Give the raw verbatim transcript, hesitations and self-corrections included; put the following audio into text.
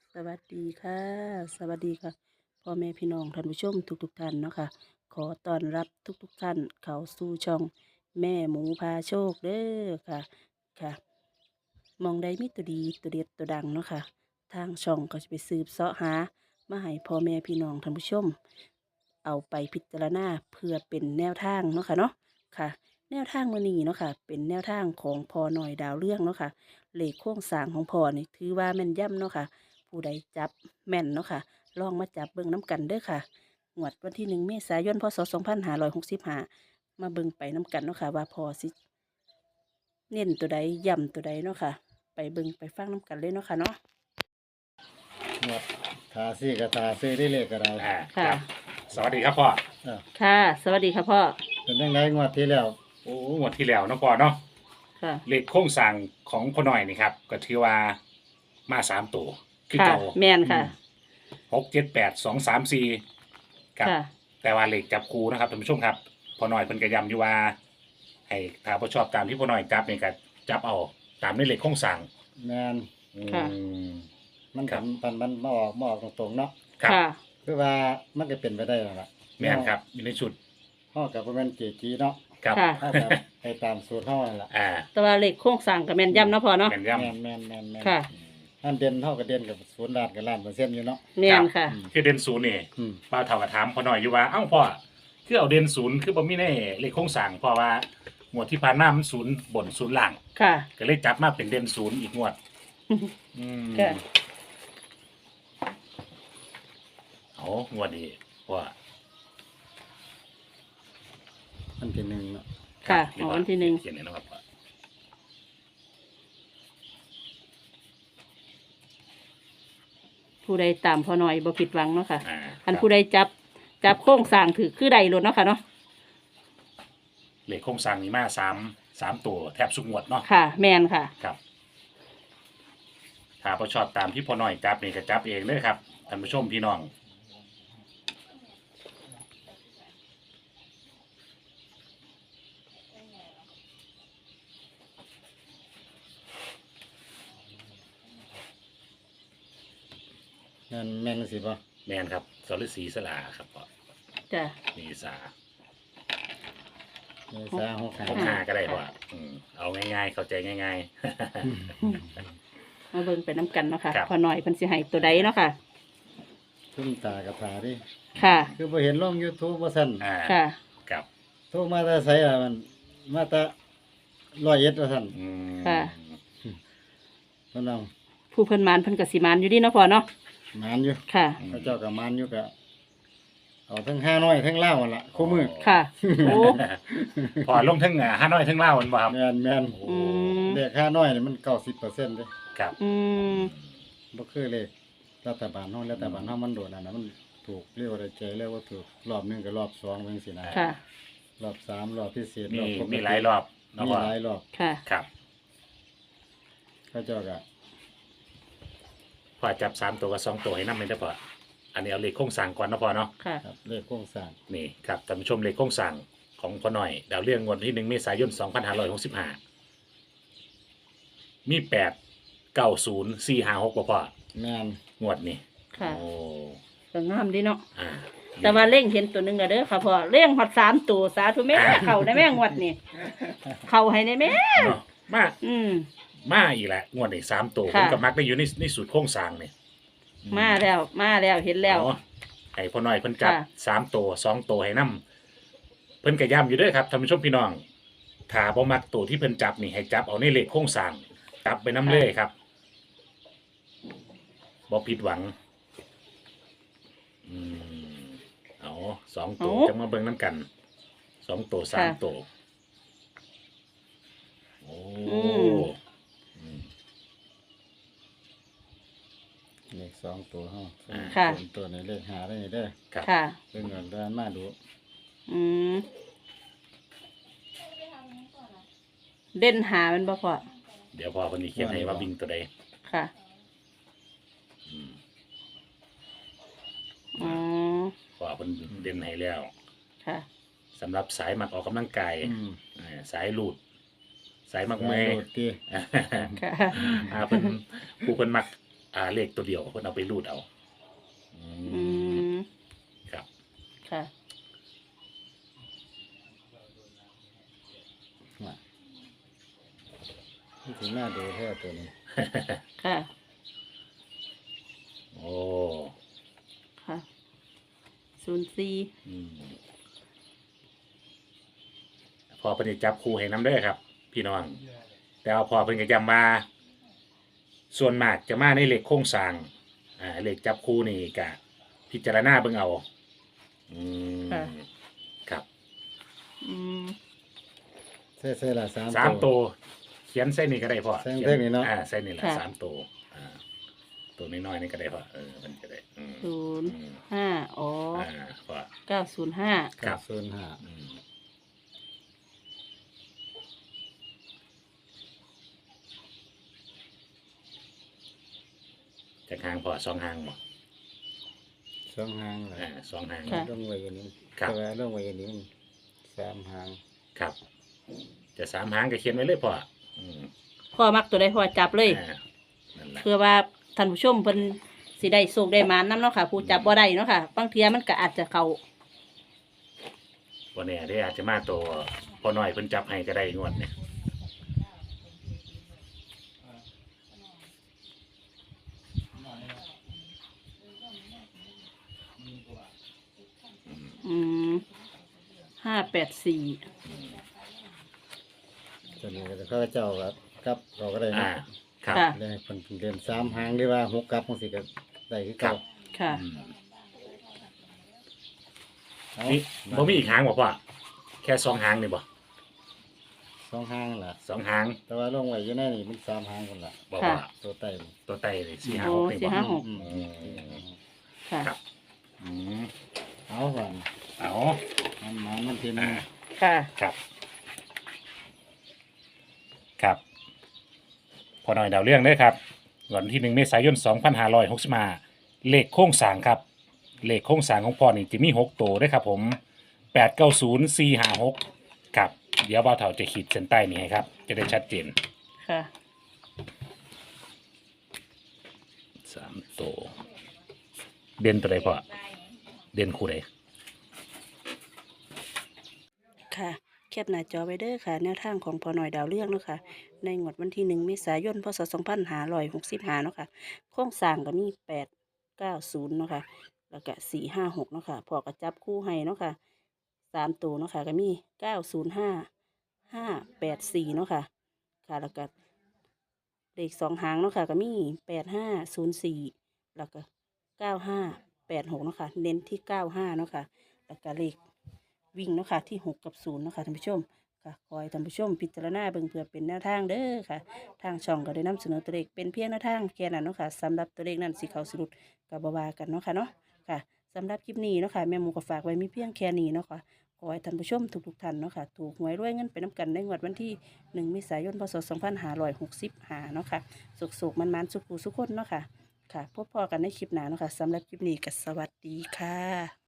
สวัสดีค่ะ สวัสดีค่ะพ่อแม่พี่น้องท่านผู้ชมทุกๆท่านเนาะค่ะขอต้อนรับทุกๆท่านเข้าสู่ช่องแม่หมูพาโชคเด้อค่ะค่ะหมองใดมีตัวดีตัวเด็ดตัวดังเนาะค่ะทางช่องก็จะไปสืบเสาะหามาให้พ่อแม่พี่น้องท่านผู้ชมเอาไปพิจารณาเพื่อเป็นแนวทางเนาะค่ะเนาะค่ะ แนวทางมื้อนี้เนาะค่ะเป็นแนวทางของพอหน่อยดาวเรื่องเนาะค่ะเลขโค้งสร้างของพอนี่ถือว่าแม่นยำเนาะค่ะผู้ใดจับแม่นเนาะค่ะลองมาจับเบิ่งน้ำกันเด้อค่ะงวดวันที่หนึ่งเมษายนพศสองพันห้าร้อยหกสิบห้ามาเบิ่งไปน้ำกันเนาะค่ะว่าพอสิเน้นตัวใดย่ำตัวใดเนาะค่ะไปเบิ่งไปฟังน้ำกันเลยเนาะค่ะเนาะหมดทาซี่กับทาซี่ได้เลขก็ได้อ่าคค่ะรับสวัสดีครับพ่อเออค่ะ สวัสดีค่ะพ่อเป็นยังไงงวดที่แล้วโอ้งวดที่แล้วเนาะพ่อเนาะค่ะเลขโค้งสั่งของพ่อหน่อยนี่ครับก็ถือว่ามาสามตัวคือค่ะเก่าแม่นค่ะหกเจ็ดแปดสองสามสี่ครับค่ะแต่ว่าเลขจับคูนะครับท่านผู้ชมครับพ่อหน่อยเพิ่นก็ย้ำอยู่ว่าให้ถ้าพ่อชอบตามที่พ่อหน่อยจับเนี่ยก็จับเอาตามในเลขโค้งสั่งแมนอืมค่ะมันครับทำมันมันมาออกมาออกตรงๆเนาะครับค่ะคือว่ามันก็เป็นไปได้แล้วล่ะแม่นครับอยู่ในชุดห้อกับประมาณเจจีเนาะครับค่ะถ้าแบบไปตามสูตรห้อนั่นล่ะอ่าแต่ว่าเลขโค้งสร้างกับแม่นยำเนาะพ่อเนาะแม่นแมย้นแมนแมนแมนค่ะอันเด่นเท่ากับเด่นกับศูนย์ล้านกับล้านเปอร์เซ็นต์อยู่เนาะแม่นค่ะอืมำคือเด่นศูนย์นี่อืมป้าเท่ากับถามพ่อหน่อยอยู่ว่าเอ้าพ่อคือเอาเด่นศูนย์คือบ่มีในเลขโครงสร้างเพราะว่าหมวดที่ผ่านมามันศูนย์บนศูนย์ล่างค่ะก็เลยจับมาเป็นเด่นศูนย์อีกงวด อืมค่ะเอางวดนี้ว่าอันที่หนึ่งเนาะค่ะเรียกอ๋อว่าวันที่หนึ่งเขียนเลยนะครับผู้ใดตามพอหน่อยบ่ผิดหวังเนาะค่ะอ่าอันผู้ใดจับจับโค้งสร้างถือคือใดรถเนาะค่ะเนาะเลขโครงสร้างนี่มาสามสามตัวแทบสุกงวดเนาะค่ะ แมนค่ะครับ ถ้าพอชอบตามที่พ่อหน่อยจับนี่ก็จับเองเลยครับท่านผู้ชมพี่น้องแมนแมนสิป่ะแมนครับสรศรีสลาครับพ่อจ้ะมีสาเมษาหกหห้ากห้าก็ได้พ่ออืมเอาง่ายๆ เข้าใจง่ายมาเบิ่งไปน้ำกันเนาะค่ะครับพอหน่อยเพิ่นสิให้ตัวใดเนาะค่ะทุ่มตากับตาดิค่ะคือพอเห็นลง YouTube ว่าสั่นๆอ่าค่ะครับโทรมาแต่ไสอ่ะมันมาแต่ร้อยเอ็ดว่าสั่นอืมค่ะเพิ่นเอาผู้เพิ่นมานเพิ่นก็สิมานอยู่ดีเนาะพ่อเนาะมานอยู่ค่ะพระเจ้ากับมานอยู่ก็เอาทั้งห้าน้อยทั้งเล่าวนั่นล่ะคู่มือค่ะ โอ้พอลงทั้งอ่าห้าน้อยทั้งเล่ามันบ่ครับแม่นแม่นอืมเลขห้าน้อยนี่มันเก้าสิบเปอร์เซ็นต์เด้ครับอืมบ่คือเลขรัฐบาลเฮารัฐบาลเฮามันโดดอันนั้นมันถูกเรียกว่าได้ใจเรียกว่าถูกรอบหนึงกับรอบสองจังซี่นะค่ะรอบสามรอบพิเศษมีรอบปกติมีหลายรอบเนาะมีพ่อหลายรอบค่ะครับพระเจ้าก็พอจับสามตัวกับสองตัวให้นำเลยได้อพ่ออันนี้เอาเลขโครงสร้างก่อนเนาะพ่อเนาะค่ะครับเลขโครงสร้างนี่ครับท่านผู้ชมเลขโครงสร้างของพ่อหน่อยดาวเรื่องงวดวันที่หนึ่งเมษายนสองพันห้าร้อยหกสิบห้ามีแปดเก้าศูนย์สี่ห้าหกพ่อแม่นงวดนี้ค่ะโอ้ก็งามดีเนาะอ่าแต่ว่าเล่งเห็นตัวหนึงอะเด้อค่ะพ่อเล่งฮอดสามตัวสาธุแม่เข้าได้แม่งวดนี่เข้าให้ได้แม่เนาะมาอืมมาอีกแล้วงวดนี้สามตัวผค่ะมกับมักได้อยู่ในในสูตรโครงสร้างเนี่ยมาแล้ว มาแล้วเห็นแล้วอ๋อให้พ่อหน่อยเพิ่นจับค่ะสามตัวสองตัวให้นํเพิ่นก็ย้ำอยู่เด้วยครับท่านผู้ชมพี่น้องถ้าบ่มักตัวที่เพิ่นจับนี่ให้จับเอาในเลขโครงสร้างจับไปน้ำเลยครับบ่ผิดหวังอืมเอาสองตัวเอาจะมาเบิ่งน้ำกันสองตัวสามค่ะตัวโอ้อืมอืมเลขสองตัวเฮาค่ะส่วนตัวในเลขหาได้เด้อครับค่ะเพิ่นก็เดินมาดูอืมเด่นหามันบ่พอเดี๋ยวพอคนนี้เขียนให้ว่าวิ่งตัวใดค่ะอืมอ๋อพอเพิ่นเด่นให้แล้วค่ะสำหรับสายมักออกกำลังกายอืมอ่าสายลูด สายมักแม่เมย์โดดติค่ะอ่าเพิ่นผู้เพิ่นมักอ่าเลขตัวเดียวเพิ่นเอาไปรูดเอาอือืมมครับค่ะว่านี่ถึงหน้าดูแท้ตัวนี้ค่ะโอ้ค่ะศูนย์สี่อืมพอเพิ่นสิจับคู่ให้น้ำเด้อครับ พี่น้อง แต่ว่าพอเพิ่นก็ย้ำมาส่วนมากจะมาในเลขโครงสร้างอ่าเลขจับคู่นี่ก็พิจารณาเบิ่งเอาอืมครับอืมใช่ใช่ละสามสามตัวเขียนใส่นี่ก็ได้พอใส่ขียเท่านี้เนาะอ่าใส่นี่แหละค่ะสามตัวอ่าตัวน้อยๆนี่ก็ได้พอเออมันจะได้อืมศูนย์อืมห้าอ๋ออ่าพอเก้าศูนย์ห้าครับศูนย์ห้าอืมจากหางพอสองหางบ่สองหางแหละอ่าสองหางค่ะลงไว้อย่างนี้ครับแต่ว่าลงไว้อย่างนี้มันสามหางครับ จะสามหางก็เขียนไว้เลยพออืมพ่อมักตัวใดพ่อจับเลยอ่านั่นแหละเพื่อว่าท่านผู้ชมเพิ่นสิได้โชคได้หมานนํเนาะค่ะ ผู้จับบ่ได้เนาะค่ะบางเทียมันก็อาจจะเข้าวันนี้ได้อาจจะมาตัวพอน้อยเพิ่นจับให้ก็ได้งวดเนี่ยอืมห้าแปดสี่ตัวนี้ก็เขาเจ้ากับกับเราก็ได้อ่านะครับค่ะได้คนเรียนสามหางหรือว่าหกกับมันสิก็ได้คือครัเก่าบค่ะอืมเอานี่บ่มีอีกหางบ่พ่อแค่สองหางนี่บ่สองหางล่ะสองหางแต่ว่าลงไว้อยู่ในนี่มันสามหางคนละบ่ค่ะว่าตัวไต่ตัวไตเลยสี่ห้าโอ้หกนี่สี่บ่ห้าหกอืมอืมค่ะครับอืมเอาก่อนเอามันหมันมันทีนึอ่างค่ะครับ ครับ พอหน่อยดาวเรื่องเด้อครับวันที่หนึ่งเมษายนสองพันห้าร้อยหกสิบห้าเลขโค้งสร้างครับ เลขโค้งสร้างของพ่อนี่จะมีหกตัวเด้อครับ ผมแปดเก้าศูนย์สี่ห้าหกครับ เดี๋ยวบ่าวเฒ่าจะขีดเส้นใต้นี่ให้ครับ จะได้ชัดเจนค่ะสามตัวเด่นตัวใดพ่อเด่นคู่ใดค่ะแคปหน้าจอไว้เด้อค่ะ แนวทางของพอหน่อยดาวเรื่องเนาะค่ะ ในงวดวันที่หนึ่งเมษายนพศสองพันห้าร้อยหกสิบห้าเนาะค่ะ โครงสร้างก็มีแปดเก้าศูนย์เนาะค่ะ แล้วก็สี่ห้าหกเนาะค่ะพอก็จับคู่ให้เนาะค่ะสามตัวเนาะค่ะก็มีเก้าศูนย์ห้าห้าแปดสี่เนาะค่ะ ค่ะแล้วก็เลขสองหางเนาะค่ะก็มีแปดห้าศูนย์สี่แล้วก็เก้าห้าแปดหกเนาะค่ะ เน้นที่เก้าห้าเนาะค่ะ แล้วก็เลขวิ่งเนาะค่ะที่หกกับศูนย์เนาะค่ะท่านผู้ชมค่ะคอยท่านผู้ชมพิจารณาเบิ่งเพื่อเป็นแนวทางเด้อค่ะ ทางช่องก็ได้นำเสนอตัวเลขเป็นเพียงแนวทางแค่นั้นเนาะค่ะสำหรับตัวเลขนั้นสิเขาสิรุดกับบาวากันเนาะค่ะเนาะค่ะสำหรับคลิปนี้เนาะค่ะแม่หมูก็ฝากไว้มีเพียงแค่นี้เนาะค่ะขอให้ท่านผู้ชมทุกๆท่านเนาะค่ะถูกหวยรวยเงินไปน้ำกันในงวดวันที่หนึ่งเมษายนพศสองพันห้าร้อยหกสิบห้าเนาะค่ะสุกๆมันๆสุขๆสุขคนเนาะค่ะค่ะพบพอกันในคลิปหน้าเนาะค่ะสำหรับคลิปนี้ก็สวัสดีค่ะ